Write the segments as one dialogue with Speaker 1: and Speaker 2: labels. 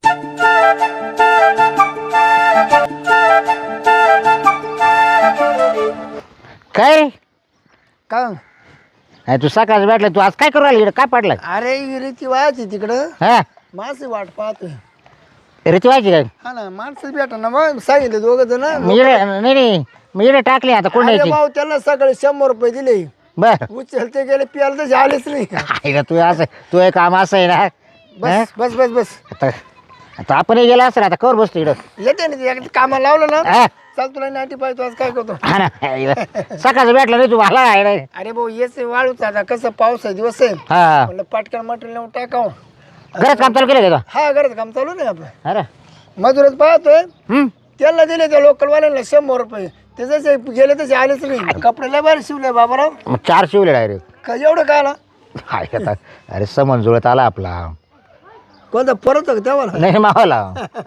Speaker 1: काय रे?
Speaker 2: का
Speaker 1: अरे तू सकाळच भेटला, तू आज काय करू राहिली इकडं? काय पडलं?
Speaker 2: अरे रीती वायाची तिकडं
Speaker 1: हा
Speaker 2: माणसं वाट पाहतोय.
Speaker 1: रीती व्हायची काय?
Speaker 2: हा ना माणसं भेटा ना मग सांगितलं दोघं जण.
Speaker 1: मी इकडे नाही मी इकडे टाकली आता कोण
Speaker 2: अरे
Speaker 1: द्यायची?
Speaker 2: भाऊ त्याला सकाळी 100 रुपये दिले.
Speaker 1: बर
Speaker 2: उचलते गेले प्यायला तर झालेच नाही.
Speaker 1: आहे तू असं तू एक काम असं आहे ना.
Speaker 2: बस बस बस बस
Speaker 1: आता आता आपण गेला असं आता कवर बसतो इकडं.
Speaker 2: येते ना ते कामाला लावलं ना.
Speaker 1: हा
Speaker 2: चल तुला नाटी पाहिजे आज काय करतो.
Speaker 1: हा ना सकाळचं भेटलं नाही तू मला आहे ना.
Speaker 2: अरे भाऊ येच वाळूच आता कसं पाऊस आहे दिवस आहे
Speaker 1: हा
Speaker 2: म्हणलं पटकन मटेरियल नेऊन टाकाव.
Speaker 1: घरात काम चालू केलं का?
Speaker 2: हा घरात काम चालू नाही आपलं.
Speaker 1: अरे
Speaker 2: मजूरच पाहतोय.
Speaker 1: हम्म
Speaker 2: त्याला दिले त्या लोकलवाल्यांना 100 रुपये. ते जसे गेले तसे आलेच नाही. कपडे लय भारी शिवले बाबाराव.
Speaker 1: मग 4 शिवले डायरेक्ट.
Speaker 2: का एवढं काय आला
Speaker 1: आहे आता. अरे समन जुळत आला आपला.
Speaker 2: कोणता परत होता तेव्हा
Speaker 1: नाही मावाला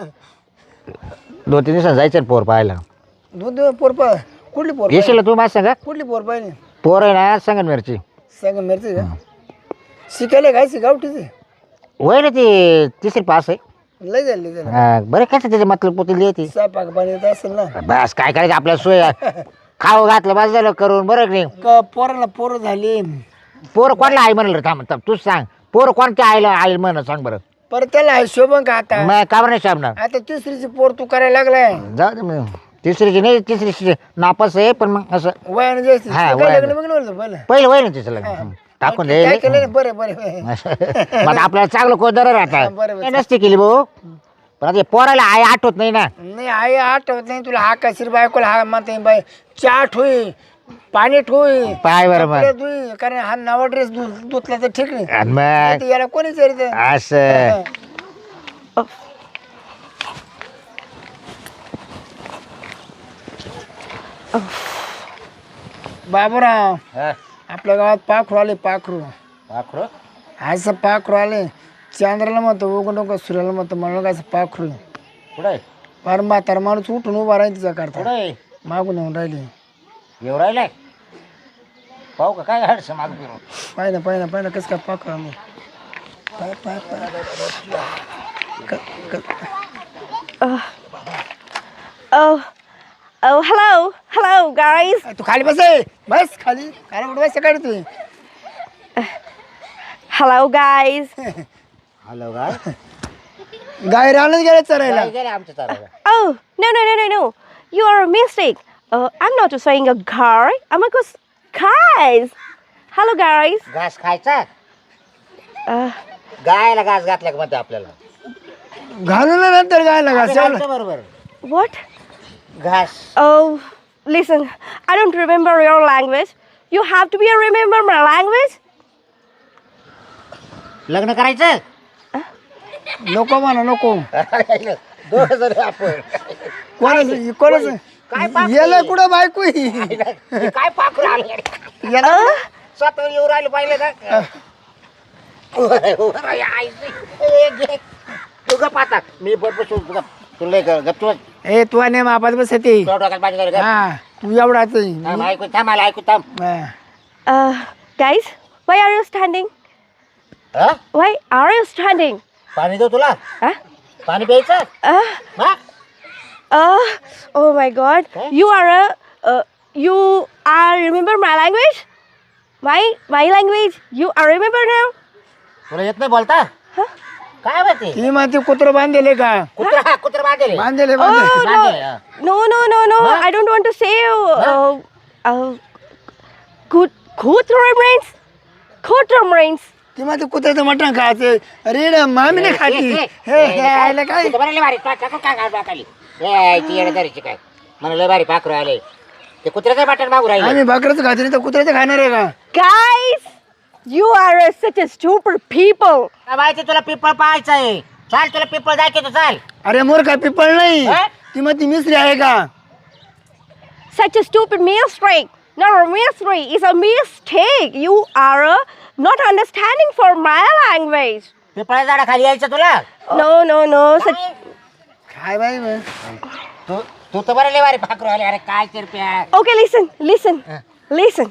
Speaker 1: 2-3 दिवसांनी जायचं पोर पाहायला.
Speaker 2: दोन पोर कुठली पोर
Speaker 1: येशील तू माझ्या सांगा.
Speaker 2: कुठली पोर पाहिजे
Speaker 1: पोर आहे ना संगमनेरची.
Speaker 2: सांग मिरची का शिकायला घायची गावठीची
Speaker 1: वय ना ती 3री पास आहे.
Speaker 2: लय झाली त्याला.
Speaker 1: हा, बरं कसं त्याचे मतलब पोतील येते.
Speaker 2: स्वयंपाक पाणी येत असेल ना.
Speaker 1: बस काय करायचं आपल्याला सोय आहे. खाऊ घातलं बस झालं करून बरं की नाही.
Speaker 2: पोराला पोरं झाली
Speaker 1: पोर कोणला आई म्हणलं थांब थांब तूच सांग. पोर कोणत्या आईला आई म्हण सांग बरं.
Speaker 2: परत त्याला शोभन का आता.
Speaker 1: मग का बरं नाही शाबणार?
Speaker 2: आता तिसरीची पोर तू करायला लागलाय.
Speaker 1: जाऊ दे मग. 3रीची नाही 3री नापास आहे पण मग असं
Speaker 2: वयाने जास्त
Speaker 1: हा,
Speaker 2: काय
Speaker 1: वयाने.
Speaker 2: लग्न बघ नव्हतं पहिलं.
Speaker 1: पहिलं वय ना तिचं लग्न. टाकून दे
Speaker 2: काय केलं नाही बरं बरं
Speaker 1: मग आता आपल्याला चांगलं कोदर राहतात.
Speaker 2: हा, बरं, बरं.
Speaker 1: नसते केली भाऊ पण आता हे पोराला आई आठवत नाही ना.
Speaker 2: नाही आई आठवत नाही तुला. हा कशीर बायकोला हा म्हणते बाई चहा ठोई पाणी ठोई
Speaker 1: पाय बरं मग.
Speaker 2: कपडे धुई. कारण हा नवा ड्रेस धुतला तर ठीक नाही.
Speaker 1: आणि मग
Speaker 2: नाही तर याला कोणी विचारित
Speaker 1: असं
Speaker 2: बाबूराव
Speaker 1: हा.
Speaker 2: आपल्या गावात पाखरू आले. पाखरू
Speaker 1: पाखरू?
Speaker 2: असं पाखरू आले. चांद्राला म्हणतो उगं नको सूर्याला म्हणतो म्हणून असं पाखरू
Speaker 1: कुठं आहे?
Speaker 2: फार म्हातारा माणूस उठून उभा राहील तिचा
Speaker 1: कुठं
Speaker 2: करता
Speaker 1: आहे?
Speaker 2: मागून येऊन राहिली.
Speaker 1: येऊ राहिलाय पाहू का काय हडस माग फिरून.
Speaker 2: पाहिलं पाहिलं पाहिलं कसं काय पाखरू आलं. पाय पाय पाय
Speaker 3: Oh, hello, guys.
Speaker 2: तू खाली बस आहे. बस खाली खाली कुठं बस काढ तू.
Speaker 3: Hello, guys.
Speaker 1: हॅलो काय
Speaker 2: गाय राहणच गेले चरायला.
Speaker 1: गेले आमच्या चाराला.
Speaker 3: Oh, no. You are a mistake. I'm not saying a guy. I'm a guys. Hello, guys.
Speaker 1: घास खायचा.
Speaker 3: Uh,
Speaker 1: गायला घास घातला का म्हणते आपल्याला.
Speaker 2: घालून नंतर गायला घासायला.
Speaker 1: बरोबर
Speaker 3: what?
Speaker 1: घास.
Speaker 3: Oh, listen. I don't remember your language. You have to remember my language.
Speaker 1: लग्न करायचं.
Speaker 2: नको म्हणा नको.
Speaker 1: दोघं जण आपण
Speaker 2: कोणाचं कोणाचं
Speaker 1: काय पाखरू?
Speaker 2: याला कुठं बायको
Speaker 1: काय पाखरू आलं
Speaker 2: याला
Speaker 1: स्वतः येऊ राहिले पाहिले ना. तुझं पाहता मी बरोबर तुला गप्प
Speaker 2: ए तू आणि मापात बस ते.
Speaker 1: माझ्या
Speaker 2: हा तू एवढाच
Speaker 1: ऐकून थांब मला ऐकून थांब.
Speaker 3: Guys, why are you standing?
Speaker 1: हा?
Speaker 3: Why are you standing?
Speaker 1: पाणी देऊ तुला.
Speaker 3: Huh?
Speaker 1: पाणी प्यायचं. हा?
Speaker 3: Oh my God.
Speaker 1: Okay.
Speaker 3: You are remember my language? My language. You are remember now?
Speaker 1: तुला येत नाही बोलता. काय माहिती
Speaker 2: ती म्हणते कुत्र बांधले का
Speaker 1: कुत्रा कुत्रा बांधेल.
Speaker 2: बांधले
Speaker 3: Oh
Speaker 1: बांधेल, हा.
Speaker 3: no. I don't want to say. Quarter
Speaker 2: ती म्हणते कुत्र्याचं मटण खायचं. अरे मामी नाही खाती. हे आयला काय
Speaker 1: काय मला लय भारी पाखरू आले. ते कुत्र्याचं बटन मागू राहिले.
Speaker 2: आम्ही भाकरच खातो नाही तर कुत्र्याचं खाणार आहे का.
Speaker 3: Guys, you are such a stupid people.
Speaker 1: माहिती तुला पिपळ पाहायचं आहे. चाल तुला पिपळ दाखवतो चाल.
Speaker 2: अरे मोर काय पिपळ नाही.
Speaker 1: हा?
Speaker 2: ती म्हणते मिसरी आहे का.
Speaker 3: Such a stupid mistake. No, mystery is a mistake. You are not understanding for my language.
Speaker 1: पिपळा झाडा खाली यायचं तुला.
Speaker 3: No.
Speaker 2: काय बाई बे.
Speaker 1: तू तू तर बरं लय भारी पाखरू आले. अरे काय चिरप्या.
Speaker 3: Okay, listen.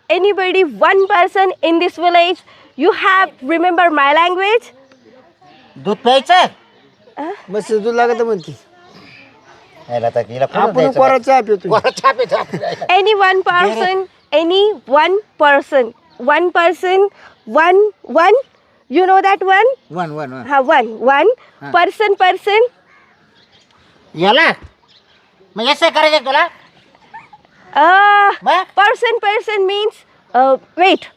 Speaker 3: Anybody, one person in this village, you have remember my language?
Speaker 1: दूध प्यायचं
Speaker 2: मस्त दूध लागत म्हणते
Speaker 1: याला तर हिला कोण
Speaker 2: आपण
Speaker 1: द्यायचं
Speaker 2: कोरा चहा पितो
Speaker 1: कोरा चहा पितो आपण.
Speaker 3: Any one person, one. You know that one?
Speaker 1: One
Speaker 3: Ha, one. Person.
Speaker 1: याला मग असं करायचं तुला What?
Speaker 3: Person means wait.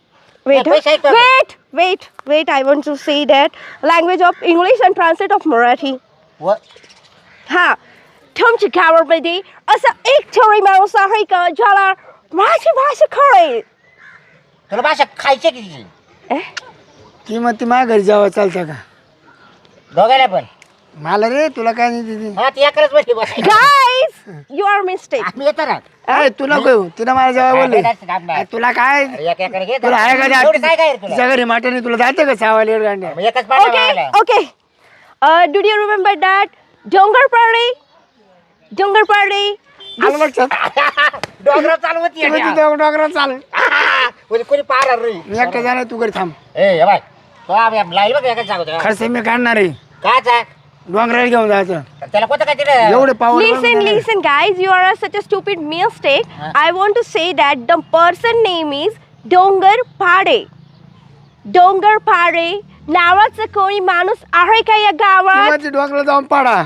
Speaker 3: Wait. I want to say that language of English and translate of Marathi. हा तुमच्या गावामध्ये असा एक थोडी माणूस आहे का ज्याला माझी भाषा कळेल.
Speaker 1: तुला भाषा खायची किती
Speaker 2: ती मग ती माझ्या घरी जावं चालतं का
Speaker 1: दोघायला पण
Speaker 2: मला रे तुला काय नाही दिदी
Speaker 1: हा ती अकराच बसली बस
Speaker 3: Guys, you are mistake.
Speaker 1: आम्ही येतो ना
Speaker 2: अरे तुला काय तिला मला जेव्हा बोलले अरे तुला काय
Speaker 1: एक एकर घे
Speaker 2: तुला आहे का
Speaker 1: एवढी काय काय रे तुला
Speaker 2: तिच्या घरी माटाने तुला जाते का सावाला एक गांड्या
Speaker 1: मग एकच पाहिजे
Speaker 3: Okay. Do you remember that Dongar party?
Speaker 2: आलं लक्षात
Speaker 1: डोंगरावर चालू होती
Speaker 2: तुम्ही तिथं डोंगरावर चाल
Speaker 1: कोणी पाहणार रे
Speaker 2: मी एकटा जाणार तू घरी थांब
Speaker 1: ए बाय तो आम्ही लाईल बघ एकच सांगतो
Speaker 2: खर्च मी काढणार आहे
Speaker 1: काय
Speaker 2: डोंगराला घेऊन जायचं
Speaker 1: त्याला कोणतं काय तिथे
Speaker 2: एवढे पाऊल
Speaker 3: Listen, guys. You are such a stupid mistake. I want to say that the person name is Dongar Pade. नावाचं कोणी माणूस आहे का या गावात?
Speaker 2: डोंगराला जाऊन पाडा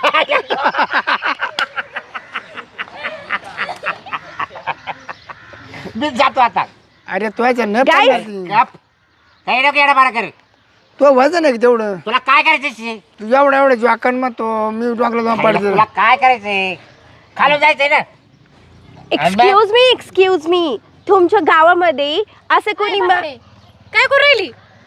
Speaker 1: मी जातो आता
Speaker 2: अरे तू याच्या न
Speaker 3: Guys.
Speaker 2: पाडणार ती.
Speaker 1: काही नको येडा बारा कर
Speaker 2: तो वजन आहे का तेवढं
Speaker 1: तुला काय करायचं
Speaker 2: तू एवढं जोकान मग तो मी डोंगराला जाऊन पाडतो
Speaker 1: तुला काय करायचंय खाली जायचंय ना
Speaker 3: Excuse me. तुमच्या गावामध्ये असे कोणी
Speaker 4: काय करू राहिली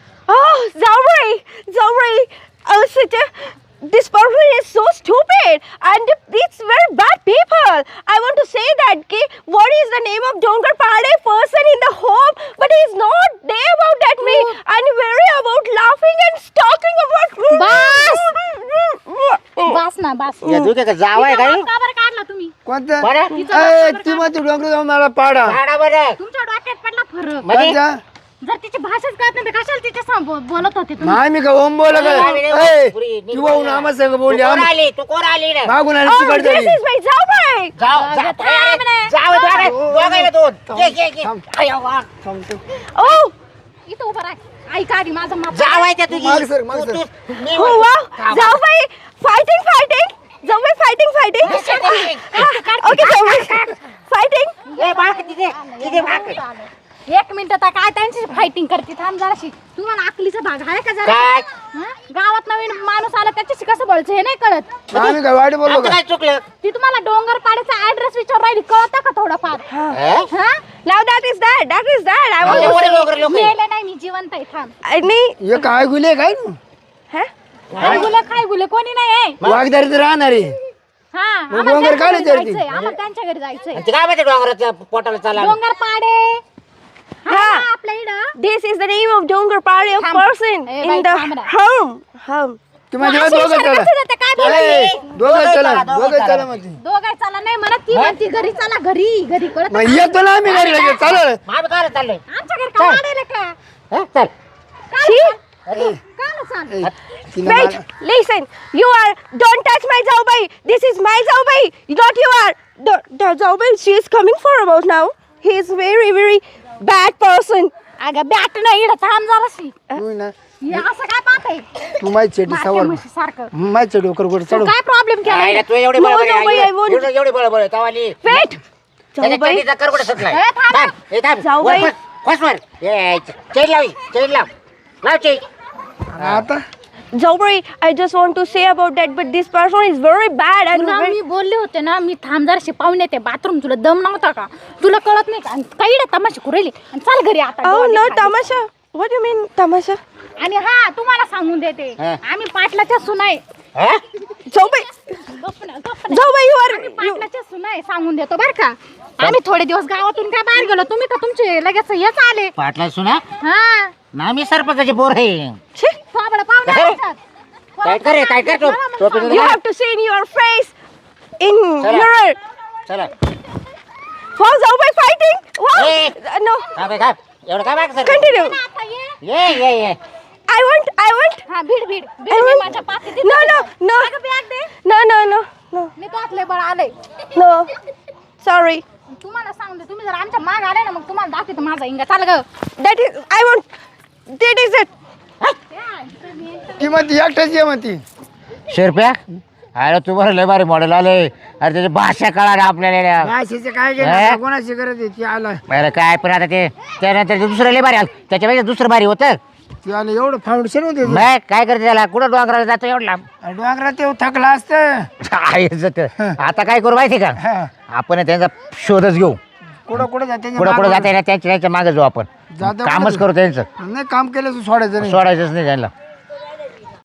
Speaker 3: जाऊ this person is so stupid and it's very bad people. I want to say that what is the name of Dongar Pade person in the home, but he's not there about that way and very about laughing and talking about
Speaker 4: बास ना बास
Speaker 1: या तू काय जावाय काय
Speaker 4: का बरं काढला तुम्ही
Speaker 2: कोणतं
Speaker 1: बरं
Speaker 2: ए, ती मग तू डोंगर जाऊन मला पाडा
Speaker 1: झाडा बरं
Speaker 4: तुमच्या डोक्यात पडला फरक
Speaker 1: म्हणजे
Speaker 2: कोणत्या?
Speaker 4: जर तिची भाषाच कळत नाही तर कशाला तिच्या समोर बोलत होते तुम्ही
Speaker 2: नाही मी का ओम बोला काय किंवा आम्हा संग बोलली
Speaker 1: तू कोण आली ना
Speaker 2: मागून आली
Speaker 3: oh,
Speaker 2: तिकडे
Speaker 3: this is my जाऊ
Speaker 1: दोघायला दोन
Speaker 3: oh
Speaker 4: इथं उभं राह ऐका आधी माझं माप
Speaker 1: जावायच्या तुझी
Speaker 2: माग सर, माग सर.
Speaker 3: oh wow जाऊ fighting जाऊ fighting okay जाऊ fighting
Speaker 4: एक मिनिट आता काय त्यांची फायटिंग करते थांब जराशी तुम्हाला आकलीचा भाग आहे का जरा
Speaker 1: काय
Speaker 4: हं? गावात नवीन माणूस आला त्याच्याशी कसं बोलायचं हे नाही कळत
Speaker 2: आम्ही काय वाईट बोललो
Speaker 1: आमचं
Speaker 2: का
Speaker 1: काय चुकलं
Speaker 4: ती तुम्हाला डोंगर पाड्याचा ऍड्रेस विचार राहिली कळतं का थोडंफार
Speaker 1: हे?
Speaker 4: हा
Speaker 3: now that is that I want to
Speaker 1: एवढे
Speaker 3: say
Speaker 1: डोंगर लोक
Speaker 4: मेले नाही मी जिवंत आहे थांब
Speaker 3: आणि
Speaker 2: हे काय गुले काय ना
Speaker 4: काय गुले कोणी नाही आहे
Speaker 2: वागदारी तर राहणार आहे
Speaker 4: हा
Speaker 2: मग
Speaker 4: आम्हाला
Speaker 2: डोंगर
Speaker 4: त्यांच्या
Speaker 2: काढले
Speaker 4: घरी
Speaker 2: तरी ती.
Speaker 4: जायचंय आम्हाला त्यांच्या घरी जायचंय
Speaker 1: ते काय माहिती डोंगराच्या पोटाला चाला
Speaker 4: डोंगर पाडे
Speaker 3: हा
Speaker 4: आपल्या इकडं
Speaker 3: this is the name of Dongar Pade of
Speaker 4: थांब.
Speaker 3: person
Speaker 4: ए,
Speaker 3: in
Speaker 4: बाई,
Speaker 3: the
Speaker 4: थांब ना.
Speaker 3: home
Speaker 2: ती माझ्या
Speaker 4: अशी
Speaker 2: दोघं
Speaker 4: विचार
Speaker 2: चला
Speaker 4: कसं जाते? काय बोलायचं?
Speaker 2: ए, दोघं चला
Speaker 1: दोघं
Speaker 2: दोघं
Speaker 1: चला.
Speaker 2: चला म्हणते
Speaker 4: दोघाय चला नाही म्हणत ती म्हणती घरी चला घरी कळत
Speaker 2: मग येतो ना आम्ही घरी लगेच चालेल
Speaker 1: आम्ही काय चाललोय
Speaker 4: आमच्या घरी का वाढेल का
Speaker 1: हं? चल
Speaker 3: she
Speaker 4: का ना सांग
Speaker 2: तिला
Speaker 3: wait
Speaker 2: मला-
Speaker 3: listen you are don't touch my Zaubai this is my Zaubai not you are the Zaubai she is coming for about now he is very bad person
Speaker 4: अगं बॅट नाही इकडं थांब जराशी
Speaker 2: तू ना
Speaker 4: हे असं काय पाहताय
Speaker 2: तू माझी चेटी
Speaker 4: मागच्या
Speaker 2: सवर
Speaker 4: म्हशीसारखं.
Speaker 2: माझ्या डोकर गोड चढव
Speaker 4: काय प्रॉब्लेम केला
Speaker 1: आईला तू एवढी
Speaker 3: No,
Speaker 1: बळबळ
Speaker 3: no,
Speaker 1: आहे,
Speaker 3: बाई, I won't.
Speaker 1: एवढी बळबळ तवाली
Speaker 3: wait Zaubai
Speaker 1: त्याच्या कर कुठे सुटलाय
Speaker 4: ए, थांब.
Speaker 1: थांब, ए, थांब.
Speaker 3: जाऊ
Speaker 1: वर
Speaker 3: बाई.
Speaker 1: फस वर चेन लाव चेन
Speaker 2: आता
Speaker 3: Zaubai I just want to say about that but this person is very bad and
Speaker 4: तुला
Speaker 3: very
Speaker 4: मी बोलले होते ना मी थांब जराशी पाहून येते बाथरूम तुला दम नव्हता का तुला कळत नाही का आणि काही तमाशा कुरेली आणि चाल घरी आता
Speaker 3: oh
Speaker 4: डोळे
Speaker 3: no
Speaker 4: खाली.
Speaker 3: tamasha what do you mean tamasha
Speaker 4: आणि हा तुम्हाला सांगून देते
Speaker 1: हा.
Speaker 4: आम्ही पाटलाच्या सुनाय
Speaker 1: हं?
Speaker 3: Zaubai
Speaker 4: गप्प ना.
Speaker 3: Zaubai you are
Speaker 4: पाटलाच्या सुनाय सांगून देतो बर का आम्ही थोडे दिवस गावातून काय बाहेर गेलो तुम्ही का तुमचे लगेच हेच आले
Speaker 1: पाटला सुना
Speaker 4: हा
Speaker 1: ना मी सरपंचाचे बोर आहे
Speaker 4: थोबडं पाहुणे
Speaker 1: काय?
Speaker 4: आमच्यात.
Speaker 1: काय करे टोपी
Speaker 3: you have to see in your face in
Speaker 1: Chala.
Speaker 3: mirror
Speaker 1: चला
Speaker 3: wow Zaubai fighting wow
Speaker 1: Hey.
Speaker 3: no
Speaker 1: थांब एवढं काय बाग सर
Speaker 3: continue
Speaker 4: आता ये.
Speaker 1: ये
Speaker 3: I want.
Speaker 4: हा भीड भीड भीड
Speaker 3: I
Speaker 4: मी
Speaker 3: want.
Speaker 4: माझ्या पाठीत
Speaker 3: No, no, no.
Speaker 4: बॅग दे
Speaker 3: No.
Speaker 4: मी तो आतले बळ आले
Speaker 3: No. Sorry.
Speaker 4: तुम्हाला सांगते तुम्ही जर आमच्या माग आले ना मग तुम्हाला दाखवते माझा इंगा चाल ग
Speaker 3: That is. I want. That is it.
Speaker 2: ती म्हणती एकट्याची आहे म्हणती.
Speaker 1: शेरप्या अरे तुम्हाला लय भारी मॉडेल आले अरे त्याची भाषा कळा आपल्याला
Speaker 2: भाषेचं काय
Speaker 1: हे?
Speaker 2: गेलं कोणाची गरज आहे ती आला
Speaker 1: अरे काय पण आता ते त्यानंतर ते दुसरं लय भारी आलं त्याच्यापेक्षा दुसरं भारी होतं
Speaker 2: ती आलं एवढं फाउंडेशन होते ते.
Speaker 1: मग काय करते त्याला कुठं डोंगराला जातो एवढं लांब
Speaker 2: डोंगरात ते थकला असतं.
Speaker 1: आहेच ते. आता काय करू माहिती का
Speaker 2: हा.
Speaker 1: आपण त्यांचा शोधच घेऊ
Speaker 2: कुठं जाते
Speaker 1: कुठं जाता येईल त्यांच्या मागे जाऊ आपण
Speaker 2: जाता
Speaker 1: कामच
Speaker 2: कुठं?
Speaker 1: करू त्यांचं
Speaker 2: नाही काम केलं तर सोडायचं नाही.
Speaker 1: सोडायचंच नाही त्यांना